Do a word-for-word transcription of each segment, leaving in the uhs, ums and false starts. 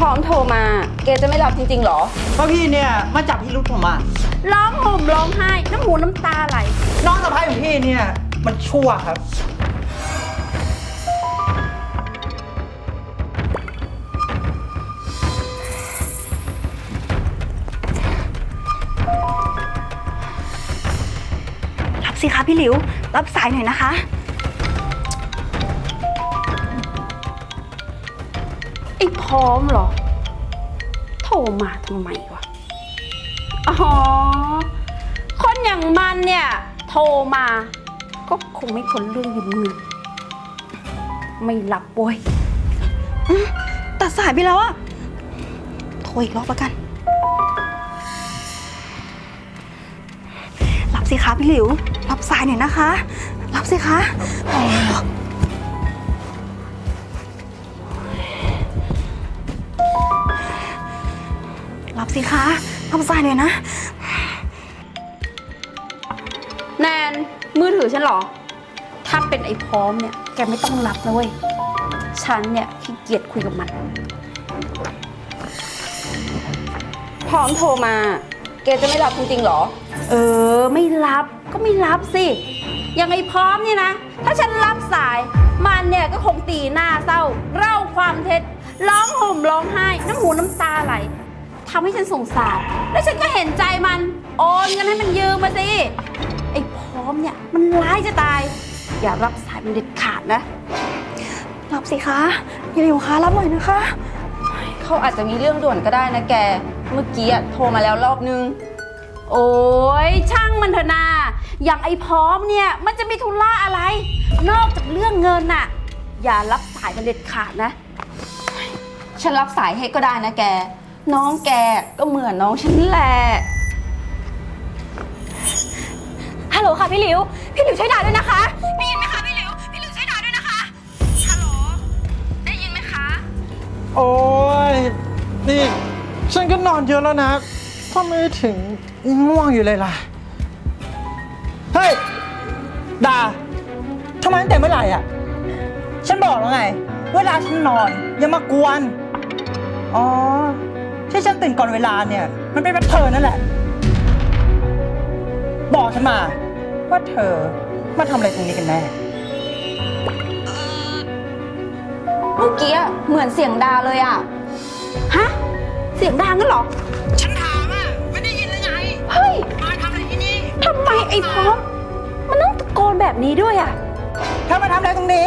พร้อมโทรมาแกจะไม่รับจริงๆหรอก็พี่เนี่ยมาจับพี่รุธผมอ่ะร้องห่มร้องไห้น้ำหูน้ำตาไหลน้องสะพ้ายของพี่เนี่ยมันชั่วครับรับสิคะพี่หลิวรับสายหน่อยนะคะไอ้พร้อมเหรอโทรมาทำไมวะอ๋อคนอย่างมันเนี่ยโทรมาก็คงไม่พ้นเรื่องยืมเงินไม่รับโว้ยตัดสายไปแล้วอะโทรอีกรอบละกันรับสิคะพี่หลิวรับสายหน่อยนะคะรับสิคะรับสิคะรับสายหน่อยนะแนนมือถือฉันเหรอถ้าเป็นไอ้พร้อมเนี่ยแกไม่ต้องรับนะเว้ยฉันเนี่ยขี้เกียจคุยกับมันพร้อมโทรมาแกจะไม่รับจริงๆหรอเออไม่รับก็ไม่รับสิอย่างไอ้พร้อมเนี่ยนะถ้าฉันรับสายมันเนี่ยก็คงตีหน้าเศร้าเล่าความเท็จร้องห่มร้องไห้น้ำหูน้ำตาไหลทำให้ฉันสงสารแล้วฉันก็เห็นใจมันโอนเงินให้มันยืมมาสิไอ้พร้อมเนี่ยมันร้ายจะตายอย่ารับสายมันเด็ดขาดนะรับสิคะพี่หลิวคะรับหน่อยนะคะเขาอาจจะมีเรื่องด่วนก็ได้นะแกเมื่อกี้โทรมาแล้วรอบนึงโอ้ยช่างมันเถอะนาอย่างไอ้พร้อมเนี่ยมันจะมีธุระอะไรนอกจากเรื่องเงินน่ะอย่ารับสายมันเด็ดขาดนะฉันรับสายให้ก็ได้นะแกน้องแกก็เหมือนน้องฉันแหละฮัลโหลค่ะพี่หลิวพี่หลิวช่วยด่าด้วยนะคะได้ยินไหมคะพี่หลิวพี่หลิวช่วยด่าด้วยนะคะฮัลโหลได้ยินไหมคะโอ้ยนี่ฉันก็นอนเยอะแล้วนะทำไมถึงง่วงอยู่เลยล่ะเฮ้ยด่าทำไมตั้งแต่เมื่อไหร่อ่ะฉันบอกแล้วไงเวลาฉันนอนอย่ามากวนอ๋อที่ฉันตื่นก่อนเวลาเนี่ยมันเป็นเพราะเธอนั่นแหละบอกฉันมาว่าเธอมาทำอะไรตรงนี้กันแน่เมื่อกี้เหมือนเสียงดาเลยอ่ะฮะเสียงดางั้นเหรอฉันถามอ่ะไม่ได้ยินหรือไงเฮ้ยมาทำอะไรที่นี่ทำไมไอ้พร้อมมันต้องตะโกนแบบนี้ด้วยอ่ะเธอมาทำอะไรตรงนี้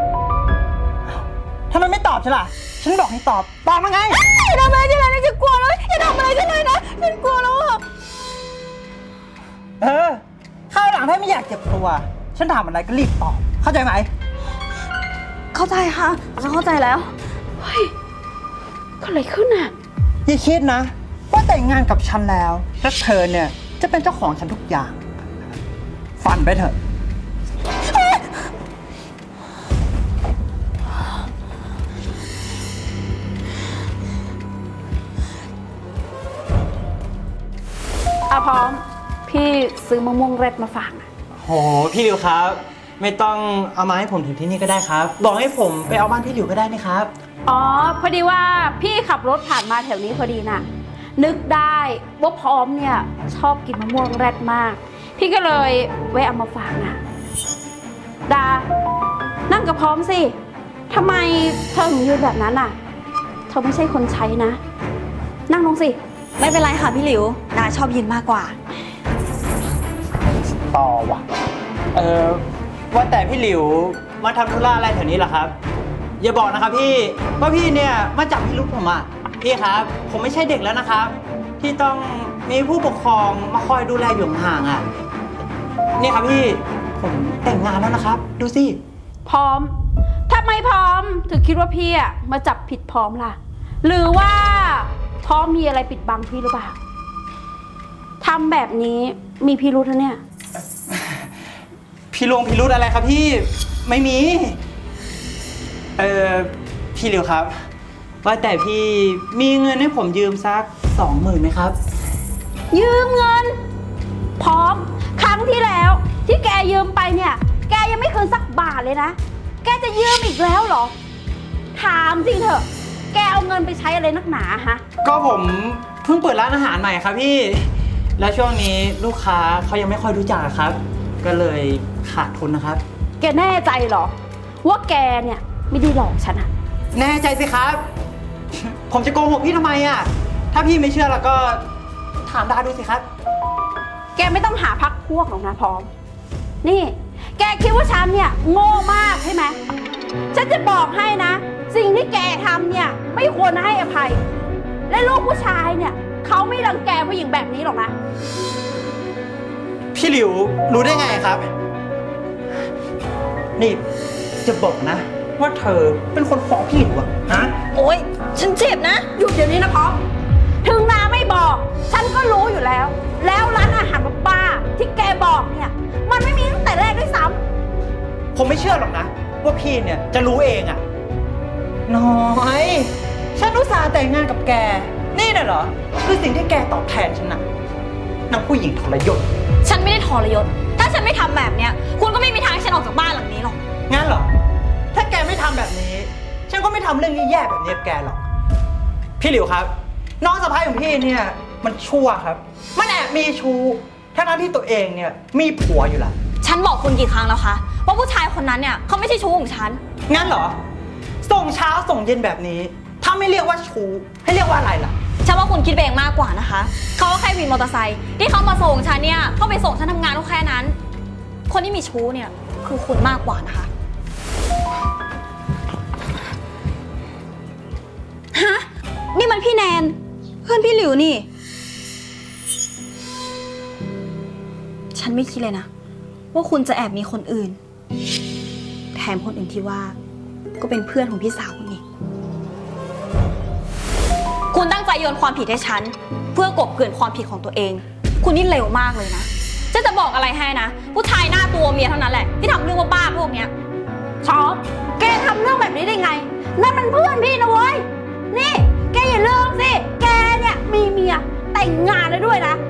ทำไมไม่ตอบฉันล่ะฉันบอกให้ตอบตอบมาไงอย่าทำอะไรฉันเลยนะฉันกลัวแล้วอย่าทำอะไรฉันเลยนะฉันกลัวแล้วอ่ะเออข้าวหลังถ้าไม่อยากเจ็บตัวฉันถามอะไรก็รีบตอบเข้าใจไหมเข้าใจค่ะฉันเข้าใจแล้วเฮ้ยเกิดอะไรขึ้นอ่ะอย่าคิดนะว่าแต่งงานกับฉันแล้วแล้วเธอเนี่ยจะเป็นเจ้าของฉันทุกอย่างฝันไปเถอะอะพร้อมพี่ซื้อมะม่วงเร็ดมาฝากโหพี่หลิวครับไม่ต้องเอามาให้ผมถึงที่นี่ก็ได้ครับบอกให้ผมไปเอาบ้านพี่หลิวก็ได้นะครับอ๋อพอดีว่าพี่ขับรถผ่านมาแถวนี้พอดีน่ะนึกได้ว่าพร้อมเนี่ยชอบกินมะม่วงเร็ดมากพี่ก็เลยแวะเอามาฝากน่ะดานั่งกับพร้อมสิทำไมเธอถึงยืนแบบนั้นน่ะเธอไม่ใช่คนใช้นะนั่งลงสิไม่เป็นไรค่ะพี่หลิวดาชอบยืนมากกว่าต่อว่ะเออว่าแต่พี่หลิวมาทำธุระอะไรแถวนี้เหรอครับอย่าบอกนะครับพี่ว่าพี่เนี่ยมาจับพี่รุธผมอ่ะพี่ครับผมไม่ใช่เด็กแล้วนะครับที่ต้องมีผู้ปกครองมาคอยดูแลอยู่ห่างอ่ะนี่ครับพี่ผมแต่งงานแล้วนะครับดูสิพร้อมทำไมพร้อมถึงคิดว่าพี่อ่ะมาจับผิดพร้อมล่ะหรือว่าพร้อมมีอะไรปิดบังพี่หรือเปล่าทำแบบนี้มีพิรุธนะเนี่ยพี่ลงพิรุธอะไรครับพี่ไม่มีเออพี่หลิวครับว่าแต่พี่มีเงินให้ผมยืมสักสองหมื่นไหมครับยืมเงินพร้อมครั้งที่แล้วที่แกยืมไปเนี่ยแกยังไม่คืนสักบาทเลยนะแกจะยืมอีกแล้วเหรอถามจริงเถอะแกเอาเงินไปใช้อะไรนักหนาฮะก็ผมเพิ่งเปิดร้านอาหารใหม่ครับพี่ แล้วช่วงนี้ลูกค้าเขายังไม่ค่อยรู้จักครับ ก็เลยขาดทุนนะครับแกแน่ใจเหรอ ว่าแกเนี่ยไม่ได้หลอกฉันอะแน่ใจสิครับ ผมจะโกหกพี่ทำไมอ่ะ ถ้าพี่ไม่เชื่อแล้วก็ถามดาดูสิครับแกไม่ต้องหาพักพวกหรอกนะพร้อม นี่ แกคิดว่าฉันเนี่ยโง่มากใช่ไหม ฉันจะบอกให้นะ สิ่งที่แกทำเนี่ยไม่ควรให้อภัย และลูกผู้ชายเนี่ยเขาไม่รังแกผู้หญิงแบบนี้หรอกนะพี่หลิวรู้ได้ไงครับ นี่จะบอกนะ ว่าเธอเป็นคนฟ้องพี่หลิวอะฮะโอ๊ย ฉันเจ็บนะหยุดเดี๋ยวนี้นะพร้อม ถึงนาไม่บอก ฉันก็รู้อยู่แล้ว แล้วร้านอาหารบ้าๆที่แกบอกเนี่ย มันไม่มีตั้งแต่แรกด้วยซ้ำผมไม่เชื่อหรอกนะ ว่าพี่เนี่ยจะรู้เองอะน้อย ฉันอุตส่าห์แต่งงานกับแก นี่น่ะเหรอ คือสิ่งที่แกตอบแทนฉันนะนางผู้หญิงทรยศฉันไม่ได้ทรยศ ถ้าฉันไม่ทำแบบเนี้ย คุณก็ไม่มีทางให้ฉันออกจากบ้านหลังนี้หรอกงั้นเหรอ ถ้าแกไม่ทำแบบนี้ ฉันก็ไม่ทำเรื่องแย่ๆแบบนี้กับแกหรอก พี่หลิวครับ น้องสะพ้ายของพี่เนี่ยมันชั่วครับ มันแอบมีชู้ทั้งๆที่ตัวเองเนี่ยมีผัวอยู่แล้วฉันบอกคุณกี่ครั้งแล้วคะว่าผู้ชายคนนั้นเนี่ยเขาไม่ใช่ชู้ของฉันงั้นเหรอ ส่งเช้าส่งเย็นแบบนี้ ถ้าไม่เรียกว่าชู้ให้เรียกว่าอะไรล่ะฉันว่าคุณคิดไปเองมากกว่านะคะ เขาก็แค่วินมอเตอร์ไซค์ที่เขามาส่งฉันเนี่ยเขาไปส่งฉันทำงานก็แค่นั้น คนที่มีชู้เนี่ยคือคุณมากกว่านะคะ ฮะ นี่มันพี่แนน เพื่อนพี่หลิวนี่ ฉันไม่คิดเลยนะ ว่าคุณจะแอบมีคนอื่น แถมคนอื่นที่ว่า ก็เป็นเพื่อนของพี่สาวคุณนี่ คุณตั้งใจโยนความผิดให้ฉัน เพื่อกลบเกลื่อนความผิดของตัวเอง คุณนี่เร็วมากเลยนะจะจะบอกอะไรให้นะ ผู้ชายหน้าตัวเมียเท่านั้นแหละที่ทำเรื่องบ้าๆพวกเนี้ยชอบแกทำเรื่องแบบนี้ได้ไง นั่นมันเพื่อนพี่นะเว้ย นี่ แกอย่าลืมสิ แกเนี่ยมีเมียแต่งงานแล้วด้วยนะ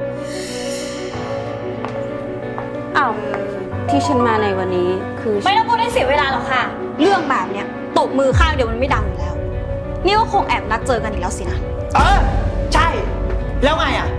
อ้าว ที่ฉันมาในวันนี้คือไม่ต้องพูดให้เสียเวลาหรอกค่ะ เรื่องแบบเนี้ยตบมือข้างเดียวมันไม่ดังอยู่แล้ว นี่ก็คงแอบนัดเจอกันอีกแล้วสินะเออ ใช่ แล้วไงอ่ะ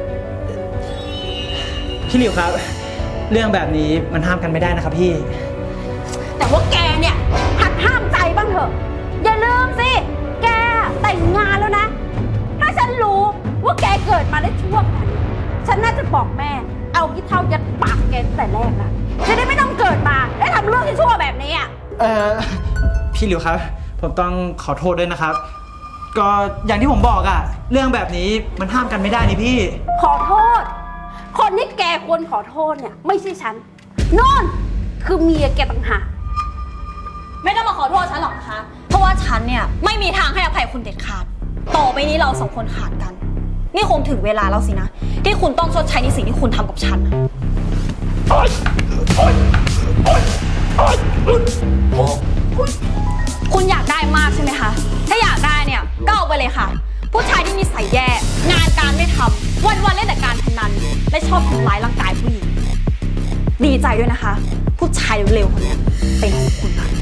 พี่หลิวครับ เรื่องแบบนี้มันห้ามกันไม่ได้นะครับพี่แต่ว่าแกเนี่ยหัดห้ามใจบ้างเถอะ อย่าลืมสิ แกแต่งงานแล้วนะ ถ้าฉันรู้ว่าแกเกิดมาได้ช่วงนั้นฉันน่าจะบอกแม่ เอาขี้เท่ายัดปากแกตั้งแต่แรกละจะได้ไม่ต้องเกิดมาและทำเรื่องที่ชั่วแบบนี้อ่ะเออพี่หลิวครับ ผมต้องขอโทษด้วยนะครับ ก็อย่างที่ผมบอกอะเรื่องแบบนี้มันห้ามกันไม่ได้นี่พี่ขอโทษ คนที่แกควรขอโทษเนี่ยไม่ใช่ฉันโน่นคือเมียแกต่างหากไม่ต้องมาขอโทษฉันหรอกนะคะ เพราะว่าฉันเนี่ยไม่มีทางให้อภัยคุณเด็ดขาด ต่อไปนี้เราสองคนขาดกัน นี่คงถึงเวลาแล้วสินะ ที่คุณต้องชดใช้ในสิ่งที่คุณทำกับฉันนะคุณอยากได้มากใช่ไหมคะ ถ้าอยากได้เนี่ยก็เอาไปเลยค่ะ ผู้ชายที่นิสัยแย่ งานการไม่ทำวันๆเล่นแต่การพนัน และชอบทำร้ายร่างกายผู้หญิง ดีใจด้วยนะคะ ผู้ชายเร็วๆคนเนี้ยเป็นของคุณค่ะ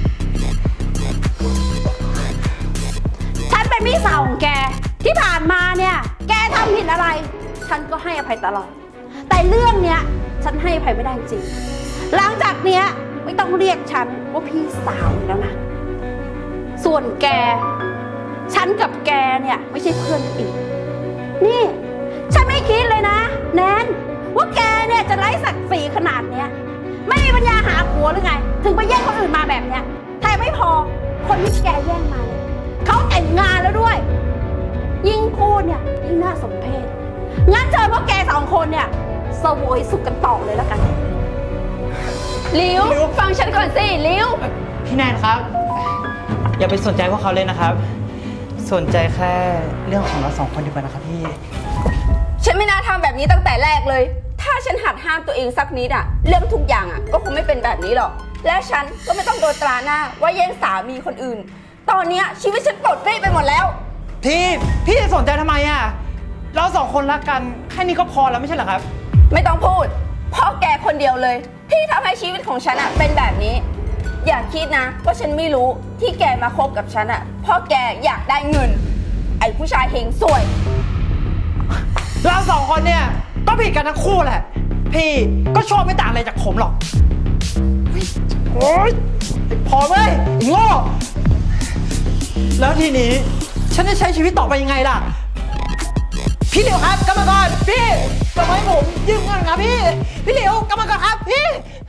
ฉันเป็นพี่สาวของแกที่ผ่านมาเนี่ย แกทำผิดอะไร ฉันก็ให้อภัยตลอด แต่เรื่องเนี้ยฉันให้อภัยไม่ได้จริง หลังจากเนี้ยไม่ต้องเรียกฉันว่าพี่สาวอีกแล้วนะ ส่วนแก ฉันกับแกเนี่ยไม่ใช่เพื่อนกันอีก นี่ ฉันไม่คิดเลยนะ แนนว่าแกเนี่ยจะไร้ศักดิ์ศรีขนาดเนี้ย ไม่มีปัญญาหาผัวหรือไง ถึงไปแย่งคนอื่นมาแบบเนี้ยแต่ไม่พอคนที่แกแย่งมาเนี่ยเขาแต่งงานแล้วด้วย ยิ่งพูดเนี่ยยิ่งน่าสมเพชงั้นเชิญพวกแกสองคนเนี่ยเสวยสุขกันต่อเลยแล้วกันลิวลิวฟังฉันก่อนสิลิวพี่แนนครับ อย่าไปสนใจพวกเขาเลยนะครับ สนใจแค่เรื่องของเราสองคนดีกว่านะครับพี่ฉันไม่น่าทำแบบนี้ตั้งแต่แรกเลย ถ้าฉันหัดห้ามตัวเองสักนิดอะเรื่องทุกอย่างอะก็คงไม่เป็นแบบนี้หรอก และฉันก็ไม่ต้องโดนตราหน้าว่าแย่งสามีคนอื่น ตอนเนี้ยชีวิตฉันปลดเปรี้ไปหมดแล้วพี่พี่จะสนใจทำไมอะเราสองคนรักกันแค่นี้ก็พอแล้วไม่ใช่เหรอครับไม่ต้องพูด เพราะแกคนเดียวเลย ที่ทำให้ชีวิตของฉันอะเป็นแบบนี้อย่าคิดนะว่าฉันไม่รู้ที่แกมาคบกับฉันอะเพราะแกอยากได้เงิน ไอ้ผู้ชายเฮงสวยเราสองคนเนี่ยก็ผิดกันทั้งคู่แหละ พี่ก็ชอบไม่ต่างอะไรจากผมหรอกเฮ้ยโอ๊ยพอเว้ยไอ้โง่แล้วทีนี้ฉันจะใช้ชีวิตต่อไปยังไงล่ะ พี่เหลียวครับกลับมาก่อนพี่กลับมาให้ผมยืมเงินครับพี่ พี่เหลียวกลับมาก่อนครับพี่